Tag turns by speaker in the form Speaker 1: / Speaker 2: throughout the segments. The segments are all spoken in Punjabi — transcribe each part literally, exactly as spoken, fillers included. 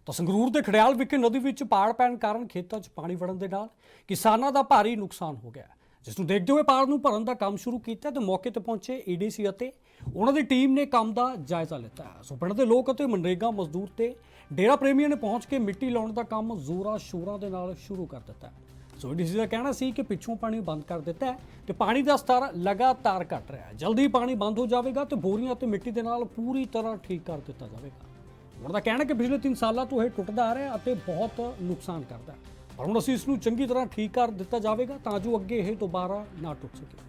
Speaker 1: ਤਾਂ ਸੰਗਰੂਰ ਦੇ ਖੜਿਆਲ ਵਿਖੇ ਨਦੀ ਵਿੱਚ ਪਾੜ ਪੈਣ ਕਾਰਨ ਖੇਤਾਂ 'ਚ ਪਾਣੀ ਵੜਨ ਦੇ ਨਾਲ ਕਿਸਾਨਾਂ ਦਾ ਭਾਰੀ ਨੁਕਸਾਨ ਹੋ ਗਿਆ, ਜਿਸ ਨੂੰ ਦੇਖਦੇ ਹੋਏ ਪਾੜ ਨੂੰ ਭਰਨ ਦਾ ਕੰਮ ਸ਼ੁਰੂ ਕੀਤਾ ਤੇ ਮੌਕੇ ਤੇ ਪਹੁੰਚੇ ਈਡੀਸੀ ਅਤੇ ਉਹਨਾਂ ਦੀ ਟੀਮ ਨੇ ਕੰਮ ਦਾ ਜਾਇਜ਼ਾ ਲਿੱਤਾ। ਸੋ ਪਿੰਡ ਦੇ ਲੋਕ ਅਤੇ ਮਨਰੇਗਾ ਮਜ਼ਦੂਰ ਤੇ ਡੇਰਾ ਪ੍ਰੇਮੀਆਂ ਨੇ ਪਹੁੰਚ ਕੇ ਮਿੱਟੀ ਲਾਉਣ ਦਾ ਕੰਮ ਜ਼ੋਰਾਂ ਸ਼ੋਰਾਂ ਦੇ ਨਾਲ ਸ਼ੁਰੂ ਕਰ ਦਿੱਤਾ। ਸੋ ਈਡੀਸੀ ਦਾ ਕਹਿਣਾ ਸੀ ਕਿ ਪਿੱਛੋਂ ਪਾਣੀ ਬੰਦ ਕਰ ਦਿੱਤਾ ਹੈ ਤੇ ਪਾਣੀ ਦਾ ਸਤਰ ਲਗਾਤਾਰ ਘਟ ਰਿਹਾ ਹੈ। ਜਲਦੀ ਪਾਣੀ ਬੰਦ ਹੋ ਜਾਵੇਗਾ ਤੇ ਬੋਰੀਆਂ ਤੇ ਮਿੱਟੀ ਦੇ ਨਾਲ ਪੂਰੀ ਤਰ੍ਹਾਂ ਠੀਕ ਕਰ ਦਿੱਤਾ ਜਾਵੇਗਾ। ਉਹਨਾਂ ਦਾ ਕਹਿਣਾ ਕਿ ਪਿਛਲੇ ਤਿੰਨ ਸਾਲਾਂ ਤੋਂ ਇਹ ਟੁੱਟਦਾ ਆ ਰਿਹਾ ਅਤੇ ਬਹੁਤ ਨੁਕਸਾਨ ਕਰਦਾ ਹੈ, ਪਰ ਹੁਣ ਅਸੀਂ ਇਸ ਨੂੰ ਚੰਗੀ ਤਰ੍ਹਾਂ ਠੀਕ ਕਰ ਦਿੱਤਾ ਜਾਵੇਗਾ ਤਾਂ ਜੋ ਅੱਗੇ ਇਹ ਦੁਬਾਰਾ ਨਾ ਟੁੱਟ ਸਕੇ।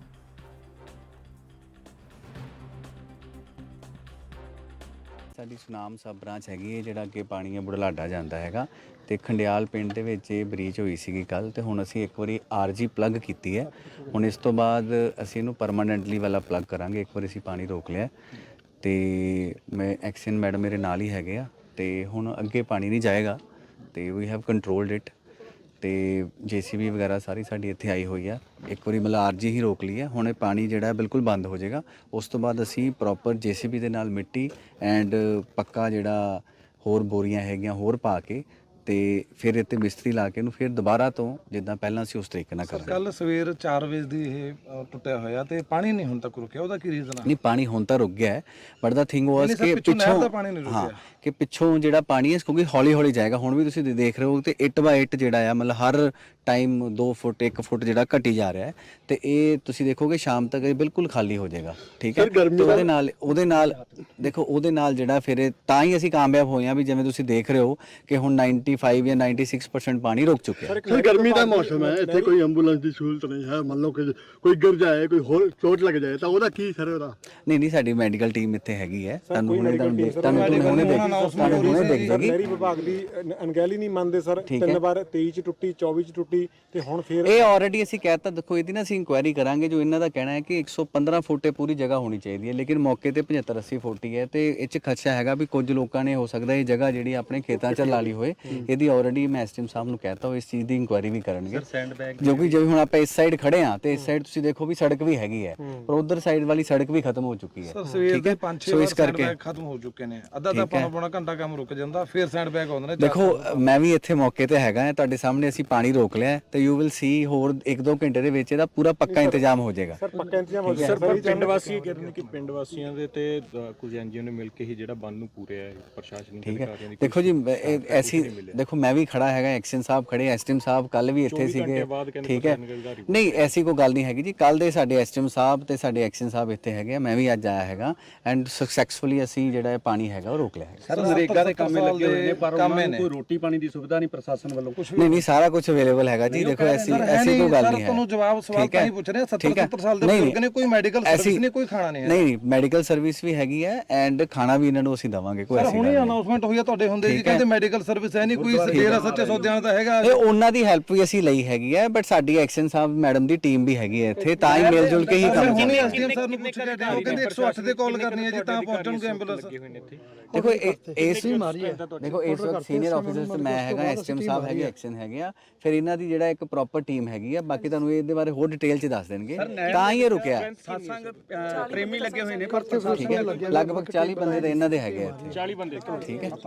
Speaker 2: ਸਾਡੀ ਸੁਨਾਮ ਸਬ ਬ੍ਰਾਂਚ ਹੈਗੀ ਹੈ ਜਿਹੜਾ ਅੱਗੇ ਪਾਣੀ ਹੈ ਬੁਢਲਾਡਾ ਜਾਂਦਾ ਹੈਗਾ ਤੇ ਖੰਡਿਆਲ ਪਿੰਡ ਦੇ ਵਿੱਚ ਇਹ ਬਰੀਚ ਹੋਈ ਸੀਗੀ ਕੱਲ ਤੇ ਹੁਣ ਅਸੀਂ ਇੱਕ ਵਾਰੀ ਆਰਜੀ ਪਲੱਗ ਕੀਤੀ ਹੈ। ਹੁਣ ਇਸ ਤੋਂ ਬਾਅਦ ਅਸੀਂ ਇਹਨੂੰ ਪਰਮਾਨੈਂਟਲੀ ਵਾਲਾ ਪਲੱਗ ਕਰਾਂਗੇ। ਇੱਕ ਵਾਰੀ ਅਸੀਂ ਪਾਣੀ ਰੋਕ ਲਿਆ ਤੇ ਮੈਂ ਐਕਸ਼ਨ ਮੈਡਮ ਮੇਰੇ ਨਾਲ ਹੀ ਹੈਗੇ ਆ ਤੇ ਹੁਣ ਅੱਗੇ ਪਾਣੀ ਨਹੀਂ ਜਾਏਗਾ ਤੇ ਵੀ ਹੈਵ ਕੰਟਰੋਲਡ ਇਟ ਤੇ ਜੇਸੀਬੀ ਵਗੈਰਾ ਸਾਰੀ ਸਾਡੀ ਇੱਥੇ ਆਈ ਹੋਈ ਆ। ਇੱਕ ਵਾਰੀ ਮਤਲਬ ਆਰਜੀ ਹੀ ਰੋਕ ਲਈ ਹੈ, ਹੁਣ ਇਹ ਪਾਣੀ ਜਿਹੜਾ ਬਿਲਕੁਲ ਬੰਦ ਹੋ ਜਾਏਗਾ। ਉਸ ਤੋਂ ਬਾਅਦ ਅਸੀਂ ਪ੍ਰੋਪਰ ਜੇਸੀਬੀ ਦੇ ਨਾਲ ਮਿੱਟੀ ਐਂਡ ਪੱਕਾ ਜਿਹੜਾ ਹੋਰ ਬੋਰੀਆਂ ਹੈਗੀਆਂ ਹੋਰ ਪਾ ਕੇ ਤੇ ਫਿਰ ਇੱਥੇ ਮਿਸਤਰੀ ਲਾ ਕੇ ਇਹਨੂੰ ਫਿਰ ਦੁਬਾਰਾ ਤੋਂ ਜਿੱਦਾਂ ਪਹਿਲਾਂ ਅਸੀਂ ਉਸ ਤਰੀਕੇ ਨਾਲ ਕਰਾਂਗੇ।
Speaker 3: ਕੱਲ ਸਵੇਰ ਚਾਰ ਵਜੇ ਦੀ ਇਹ ਅ, ਟੁੱਟਿਆ ਹੋਇਆ ਤੇ ਪਾਣੀ ਨਹੀਂ ਹੁਣ ਤੱਕ ਰੁਕਿਆ, ਉਹਦਾ ਕੀ ਰੀਜ਼ਨ ਆ?
Speaker 2: ਨਹੀਂ ਪਾਣੀ ਹੁਣ ਤਾਂ ਰੁਕ ਗਿਆ ਹੈ, ਬਟ ਦਾ ਥਿੰਗ ਵਾਸ ਕਿ
Speaker 3: ਪਿੱਛੋਂ ਨਹਿਰ ਦਾ ਪਾਣੀ ਨਹੀਂ
Speaker 2: ਹਾਂ
Speaker 3: ਰੁਕਿਆ
Speaker 2: ਕਿ ਪਿੱਛੋਂ ਜਿਹੜਾ ਪਾਣੀ ਹੈ ਕਿਉਂਕਿ ਹੌਲੀ ਹੌਲੀ ਜਾਏਗਾ। ਹੁਣ ਵੀ ਤੁਸੀਂ ਦੇਖ ਰਹੇ ਹੋ ਤੇ ਇੱਟ ਬਾਈ ਇੱਟ ਜਿਹੜਾ ਆ ਮਤਲਬ ਹਰ ਟਾਈਮ ਦੋ ਫੁੱਟ ਇੱਕ ਫੁੱਟ ਜਿਹੜਾ ਘਟੀ ਜਾ ਰਿਹਾ ਹੈ ਤੇ ਇਹ ਤੁਸੀਂ ਦੇਖੋਗੇ ਸ਼ਾਮ ਤੱਕ ਇਹ ਬਿਲਕੁਲ ਖਾਲੀ ਹੋ ਜਾਏਗਾ। ਠੀਕ ਹੈ, ਤੇ ਉਹਦੇ ਨਾਲ ਉਹਦੇ ਨਾਲ ਦੇਖੋ ਉਹਦੇ ਨਾਲ ਜਿਹੜਾ ਫਿਰ ਇਹ ਤਾਂ ਹੀ ਅਸੀਂ ਕਾਮਯਾਬ ਹੋਏ ਹਾਂ ਵੀ ਜਿਵੇਂ ਤੁਸੀਂ ਦੇਖ ਰਹੇ ਹੋ ਕਿ ਹੁਣ ਨਾਈਨਟੀ ਫਾਈਵ ਜਾਂ ਨਾਈਨਟੀ ਸਿਕਸ ਪਰਸੈਂਟ ਪਾਣੀ ਰੁਕ ਚੁੱਕਿਆ ਹੈ।
Speaker 4: ਸਰ ਗਰਮੀ ਦਾ ਮੌਸਮ ਹੈ, ਇੱਥੇ ਕੋਈ ਐਂਬੂਲੈਂਸ ਦੀ ਸਹੂਲਤ ਨਹੀਂ ਹੈ। ਮੰਨ ਲਓ ਕਿ ਕੋਈ ਗਿਰ ਜਾਏ, ਕੋਈ ਹੋਰ ਚੋਟ ਲੱਗ ਜਾਏ ਤਾਂ ਉਹਦਾ ਕੀ ਸਰ ਉਹਦਾ?
Speaker 2: ਨਹੀਂ ਨਹੀਂ ਸਾਡੀ ਮੈਡੀਕਲ ਟੀਮ ਇੱਥੇ ਹੈਗੀ ਹੈ। ਤੁਹਾਨੂੰ ਹੁਣੇ ਤੁਹਾਨੂੰ ਦੇਖ ਤੁਹਾਨੂੰ ਹੁਣੇ ਦੇਖ ਤੁਹਾਨੂੰ ਹੁਣੇ ਦੇਖ ਜਾਏਗੀ।
Speaker 5: ਨਹਿਰੀ ਵਿਭਾਗ ਦੀ ਅਣਗਹਿਲੀ ਨਹੀਂ ਮੰਨਦੇ ਸਰ। ਤਿੰਨ ਵਾਰ ਤੇਈ ਚ ਟੁੱਟੀ, ਚੌਵੀ ਚ ਟੁੱਟੀ ਤੇ ਹੁਣ ਫੇਰ
Speaker 2: ਇਹ ਆਲਰੇਡੀ ਅਸੀਂ ਕਹਿਤਾ। ਦੇਖੋ ਇਹਦੀ ਨਾ ਅਸੀਂ ਇਨਕੁਆਇਰੀ ਕਰਾਂਗੇ। ਜੋ ਇਹਨਾਂ ਦਾ ਕਹਿਣਾ ਹੈ ਕਿ ਇੱਕ ਸੌ ਪੰਦਰਾਂ ਫੁੱਟ ਇਹ ਪੂਰੀ ਜਗ੍ਹਾ ਹੋਣੀ ਚਾਹੀਦੀ ਹੈ, ਲੇਕਿਨ ਮੌਕੇ ਤੇ ਪਝੱਤਰ ਅੱਸੀ ਫੁੱਟ ਹੀ ਹੈ ਤੇ ਇਹ ਚ ਖਦਸ਼ਾ ਹੈਗਾ ਵੀ ਕੁਝ ਲੋਕਾਂ ਨੇ ਹੋ ਸਕਦਾ ਇਹ ਜਗ੍ਹਾ ਜਿਹੜੀ ਆਪਣੇ ਖੇਤਾਂ 'ਚ ਲਾ ਲਈ ਹੋਏ। ਇਹਦੀ ਆਲਰੇਡੀ ਮੈਂ ਐਸਟੀਐਮ ਸਾਹਿਬ ਨੂੰ ਕਹਿਤਾ ਉਹ ਇਸ ਚੀਜ਼ ਦੀ ਇਨਕੁਆਇਰੀ ਵੀ ਕਰਨਗੇ। ਜੋ ਕਿ ਜਿਵੇਂ ਹੁਣ ਆਪਾਂ ਇਸ ਸਾਈਡ ਖੜੇ ਆ ਤੇ ਇਸ ਸਾਈਡ ਤੁਸੀਂ ਦੇਖੋ ਵੀ ਸੜਕ ਵੀ ਹੈਗੀ ਹੈ, ਪਰ ਉਧਰ ਸਾਈਡ ਵਾਲੀ ਸੜਕ ਵੀ ਖਤਮ ਹੋ ਚੁੱਕੀ ਹੈ।
Speaker 3: ਸਰ ਸਵੇਰ ਦੇ ਪੰਜ ਛੇ ਵਾਰ ਸੈਂਡ ਬੈਗ ਖਤਮ ਹੋ ਚੁੱਕੇ ਨੇ, ਅੱਧਾ ਤਾਂ ਪੌਣਾ ਪੌਣਾ ਘੰਟਾ ਕੰਮ ਰੁਕ ਜਾਂਦਾ, ਫਿਰ ਸੈਂਡ ਬੈਗ ਆਉਂਦੇ ਨੇ।
Speaker 2: ਦੇਖੋ ਮੈਂ ਵੀ ਇੱਥੇ ਮੌਕੇ ਤੇ ਹੈਗਾ ਹਾਂ, ਤੁਹਾਡੇ ਸਾਹਮਣੇ ਅਸੀਂ ਪਾਣੀ ਰੋਕ ਲਿਆ ਤੇ ਯੂ ਵਿਲ ਸੀ ਹੋਰ ਇੱਕ ਦੋ ਘੰਟੇ ਦੇ ਵਿੱਚ ਇਹਦਾ ਪੂਰਾ ਪੱਕਾ ਇੰਤਜ਼ਾਮ ਹੋ ਜਾਏਗਾ।
Speaker 5: ਸਰ ਪੱਕਾ ਇੰਤਜ਼ਾਮ ਹੋ
Speaker 6: ਸਰ ਪਰ ਪਿੰਡ ਵਾਸੀ ਕਹਿੰਦੇ ਨੇ ਕਿ ਪਿੰਡ ਵਾਸੀਆਂ ਦੇ ਤੇ ਅ, ਕੁਝ ਐਨਜੀਓ ਨੇ ਮਿਲ ਕੇ ਹੀ ਜਿਹੜਾ ਬੰਦ ਨੂੰ ਪੂਰਿਆ ਹੈ ਪ੍ਰਸ਼ਾਸਨਿਕ ਅਧਿਕਾਰੀਆਂ ਦੀ।
Speaker 2: ਦੇਖੋ ਜੀ ਇਹ ਐਸੀ ਦੇਖੋ ਮੈਂ ਵੀ ਖੜਾ ਹੈਗਾ, ਐਕਸ਼ਨ ਸਾਹਿਬ ਖੜੇ, ਐਸਟੀਐਮ ਸਾਹਿਬ ਕੱਲ ਵੀ ਇੱਥੇ ਸੀਗੇ। ਠੀਕ ਹੈ, ਨਹੀਂ ਐਸੀ ਕੋਈ ਗੱਲ ਨਹੀਂ ਹੈਗੀ ਜੀ। ਕੱਲ ਦੇ ਸਾਡੇ ਐਸਟੀਐਮ ਸਾਹਿਬ ਤੇ ਸਾਡੇ ਐਕਸ਼ਨ ਸਾਹਿਬ ਇੱਥੇ ਹੈਗੇ, ਮੈਂ ਵੀ ਅੱਜ ਆਇਆ ਹੈਗਾ ਐਂਡ ਸਕਸੈਸਫੁਲੀ ਅਸੀਂ ਜਿਹੜਾ ਇਹ ਪਾਣੀ ਹੈਗਾ ਉਹ ਰੋਕ ਲਿਆ ਹੈ।
Speaker 3: ਸਰ ਨਰੇਗਾ ਦੇ ਕੰਮੇ ਲੱਗੇ ਹੋਏ ਨੇ ਪਰ ਉਹਨਾਂ ਨੂੰ ਕੋਈ
Speaker 6: ਰੋਟੀ ਪਾਣੀ ਦੀ ਸੁਵਿਧਾ ਨਹੀਂ ਪ੍ਰਸ਼ਾਸਨ ਵੱਲੋਂ ਕੁਝ
Speaker 2: ਨਹੀਂ ਨਹੀਂ ਸਾਰਾ ਕੁਝ ਅਵੇਲੇਬਲ ਹੈਗਾ ਜੀ। ਦੇਖੋ ਐਸੀ ਐਸੀ ਕੋਈ ਗੱਲ ਨਹੀਂ ਹੈ।
Speaker 3: ਤੁਹਾਨੂੰ ਜਵਾਬ ਸਵਾਲ ਤਾਂ ਹੀ ਪੁੱਛ ਰਹੇ, ਸੱਤਰ ਸੱਤਰ ਸਾਲ ਦੇ ਬਜ਼ੁਰਗ ਨੇ, ਕੋਈ ਮੈਡੀਕਲ ਸਰਵਿਸ ਨਹੀਂ, ਕੋਈ ਖਾਣਾ ਨਹੀਂ ਹੈ।
Speaker 2: ਨਹੀਂ ਨਹੀਂ ਮੈਡੀਕਲ ਸਰਵਿਸ ਵੀ ਹੈਗੀ ਹੈ ਐਂਡ ਖਾਣਾ ਵੀ ਇਹਨਾਂ ਨੂੰ ਅਸੀਂ ਦਵਾਂਗੇ। ਕੋਈ ਐਸੀ ਗੱਲ
Speaker 3: ਹੁਣੇ
Speaker 2: ਨਹੀਂ।
Speaker 3: ਅਨਾਉਂਸਮੈਂਟ ਹੋਈ ਆ ਤੁਹਾਡੇ ਹੁੰਦੇ ਜੀ, ਕਹਿੰਦੇ ਮੈਡੀਕਲ ਸਰਵਿਸ ਹੈ ਨਹੀਂ, ਕੋਈ ਡੇਰਾ ਸੱਚੇ ਸੌਦਿਆਂ ਦਾ ਹੈਗਾ।
Speaker 2: ਇਹ ਉਹਨਾਂ ਦੀ ਹੈਲਪ ਵੀ ਅਸੀਂ ਲਈ ਹੈਗੀ ਹੈ, ਬਟ ਸਾਡੀ ਐਕਸ਼ਨ ਸਾਹਿਬ ਮੈਡਮ ਦੀ ਟੀਮ ਵੀ ਹੈਗੀ ਹੈ ਇੱਥੇ, ਤਾਂ ਹੀ ਮਿਲ ਜੁਲ ਕੇ ਹੀ ਕੰਮ
Speaker 3: ਹੁਣੇ ਐਸਡੀਐਮ ਸਰ ਨੂੰ ਪੁੱਛ ਕੇ ਹਟੇ, ਉਹ ਕਹਿੰਦੇ ਇੱਕ ਸੌ ਅੱਠ ਤੇ ਕਾਲ ਕਰਨੀ ਹੈ ਜੀ ਤਾਂ ਪਹੁੰਚਣਗੇ ਐਂਬੂਲੈਂਸ।
Speaker 2: ਦੇਖੋ ਇਸ ਵੀ ਮਾਰੀ ਹੈ। ਦੇਖੋ ਇਸ ਵਕਤ ਸੀਨੀਅਰ ਆਫੀਸਰਸ ਤੇ ਮੈਂ ਹੈਗਾ, ਐਸਟੀਐਮ ਸਾਹਿਬ ਹੈਗੇ, ਐਕਸ਼ਨ ਹੈਗੇ ਆ, ਫਿਰ ਇਹਨਾਂ ਦੀ ਜਿਹੜਾ ਇੱਕ ਪ੍ਰੋਪਰ ਟੀਮ ਹੈਗੀ ਆ। ਬਾਕੀ ਤੁਹਾਨੂੰ ਇਹਦੇ ਬਾਰੇ ਹੋਰ ਡਿਟੇਲ ਚ ਦੱਸ ਦੇਣਗੇ, ਤਾਂ ਹੀ ਇਹ ਰੁਕਿਆ।
Speaker 6: ਸਾਸੰਗ ਪ੍ਰੇਮੀ ਲੱਗੇ ਹੋਏ ਨੇ ਪਰ
Speaker 2: ਠੀਕ ਹੈ, ਲਗਭਗ ਚਾਲੀ ਬੰਦੇ ਤਾਂ ਇਹਨਾਂ ਦੇ ਹੈਗੇ ਆ ਇੱਥੇ।
Speaker 6: ਚਾਲੀ ਬੰਦੇ
Speaker 2: ਠੀਕ ਹੈ,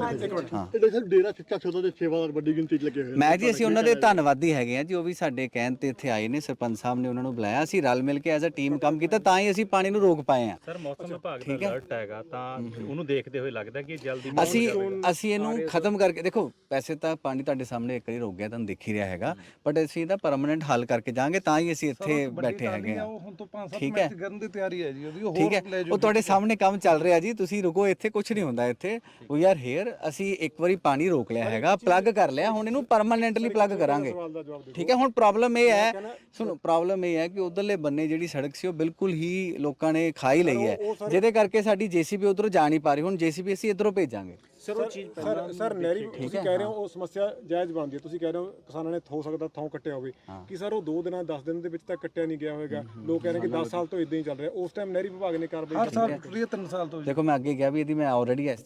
Speaker 4: ਹਾਂ ਇਹ ਸਰ ਡੇਰਾ ਸੱਚਾ ਸੌਦਾ ਦੇ ਸੇਵਾਦਾਰ ਵੱਡੀ ਗਿਣਤੀ 'ਚ ਲੱਗੇ ਹੋਏ ਨੇ।
Speaker 2: ਮੈਂ ਜੀ ਅਸੀਂ ਉਹਨਾਂ ਦੇ ਧੰਨਵਾਦੀ ਹੈਗੇ ਆ ਜੀ। ਉਹ ਵੀ ਸਾਡੇ ਕਹਿਣ ਤੇ ਇੱਥੇ ਆਏ ਨੇ, ਸਰਪੰਚ ਸਾਹਿਬ ਨੇ ਉਹਨਾਂ ਨੂੰ ਬੁਲਾਇਆ, ਅਸੀਂ ਰਲ ਮਿਲ ਕੇ ਐਜ਼ ਅ ਟੀਮ ਕੰਮ ਕੀਤਾ, ਤਾਂ ਹੀ ਅਸੀਂ ਪਾਣੀ ਨੂੰ ਰੋਕ ਪਾਏ ਆ।
Speaker 6: ਸਰ ਮੌਸਮ ਵਿਭਾਗ ਦਾ ਅਲਰਟ ਹੈਗਾ ਤਾਂ ਉਹਨੂੰ ਦੇਖਦੇ ਹੋਏ ਲੱਗਦਾ ਕਿ ਜਲਦੀ
Speaker 2: ਅਸੀਂ ਅਸੀਂ ਇਹਨੂੰ ਖਤਮ ਕਰਕੇ ਦੇਖੋ ਵੈਸੇ ਤਾਂ ਪਾਣੀ ਤੁਹਾਡੇ ਸਾਹਮਣੇ ਇੱਕ ਵਾਰੀ ਰੁਕ ਗਿਆ, ਤੁਹਾਨੂੰ ਦਿਖ ਹੀ ਰਿਹਾ ਹੈਗਾ, ਬਟ ਅਸੀਂ ਇਹਦਾ ਪਰਮਾਨੈਂਟ ਹੱਲ ਕਰਕੇ ਜਾਾਂਗੇ, ਤਾਂ ਹੀ ਅਸੀਂ ਇੱਥੇ ਬੈਠੇ ਹੈਗੇ ਆ।
Speaker 3: ਹੁਣ ਤੋਂ ਪੰਜ ਸੱਤ ਮਿੰਟ ਕਰਨ ਦੀ ਤਿਆਰੀ ਹੈ ਜੀ ਉਹਦੀ, ਉਹ
Speaker 2: ਠੀਕ
Speaker 3: ਹੋਰ
Speaker 2: ਹੈ,
Speaker 3: ਲੈ
Speaker 2: ਉਹ ਤੁਹਾਡੇ ਸਾਹਮਣੇ ਕੰਮ ਚੱਲ ਰਿਹਾ ਜੀ, ਤੁਸੀਂ ਰੁਕੋ, ਇੱਥੇ ਕੁਝ ਨਹੀਂ ਹੁੰਦਾ। ਇੱਥੇ ਵੀ ਆਰ ਹੇਅਰ, ਅਸੀਂ ਇੱਕ ਵਾਰੀ ਪਾਣੀ ਰੋਕ ਲਿਆ ਹੈਗਾ, ਪਲੱਗ ਕਰ ਲਿਆ, ਹੁਣ ਇਹਨੂੰ ਪਰਮਾਨੈਂਟਲੀ ਪਲੱਗ ਕਰਾਂਗੇ। ਠੀਕ ਹੈ, ਹੁਣ ਪ੍ਰੋਬਲਮ ਇਹ ਹੈ, ਸੁਣੋ ਪ੍ਰੋਬਲਮ ਇਹ ਹੈ ਕਿ ਉਧਰਲੇ ਬੰਨੇ ਜਿਹੜੀ ਸੜਕ ਸੀ ਉਹ ਬਿਲਕੁਲ ਹੀ ਲੋਕਾਂ ਨੇ ਖਾ ਹੀ ਲਈ ਹੈ, ਜਿਹਦੇ ਕਰਕੇ ਸਾਡੀ ਜੇਸੀਬੀ ਉਧਰੋਂ ਜਾ ਨਹੀਂ ਪਾ ਰਹੀ। ਹੁਣ ਜੇਸੀਬੀ ਅਸੀਂ ਇਧਰੋਂ ਭੇਜਾਂਗੇ।
Speaker 5: ਸਰ ਉਹ ਚੀਜ਼ ਸਰ ਸਰ ਨਹਿਰੀ ਤੁਸੀਂ ਕਹਿ ਰਹੇ ਹੋ ਉਹ ਸਮੱਸਿਆ ਜਾਇਜ਼ ਬਣਦੀ ਹੈ। ਤੁਸੀਂ ਕਹਿ ਰਹੇ ਹੋ ਕਿਸਾਨਾਂ ਨੇ ਹੋ ਸਕਦਾ ਥਾਂ ਕੱਟਿਆ ਹੋਵੇ, ਕਿ ਸਰ ਉਹ ਦੋ ਦਿਨਾਂ ਦਸ ਦਿਨ ਦੇ ਵਿੱਚ ਤਾਂ ਕੱਟਿਆ ਨਹੀਂ ਗਿਆ ਹੋਵੇਗਾ। ਲੋਕ ਕਹਿ ਰਹੇ ਕਿ ਦਸ ਸਾਲ ਤੋਂ ਇਦਾਂ ਹੀ ਚੱਲ ਰਿਹਾ। ਉਸ ਟਾਈਮ ਨਹਿਰੀ ਵਿਭਾਗ ਨੇ ਕਾਰਵਾਈ
Speaker 3: ਹਰ ਸਾਲ ਟੁੱਟੀ ਹੈ, ਤਿੰਨ ਸਾਲ ਤੋਂ।
Speaker 2: ਦੇਖੋ ਮੈਂ ਅੱਗੇ ਗਿਆ ਵੀ ਇਹਦੀ ਮੈਂ ਆਲਰੇਡੀ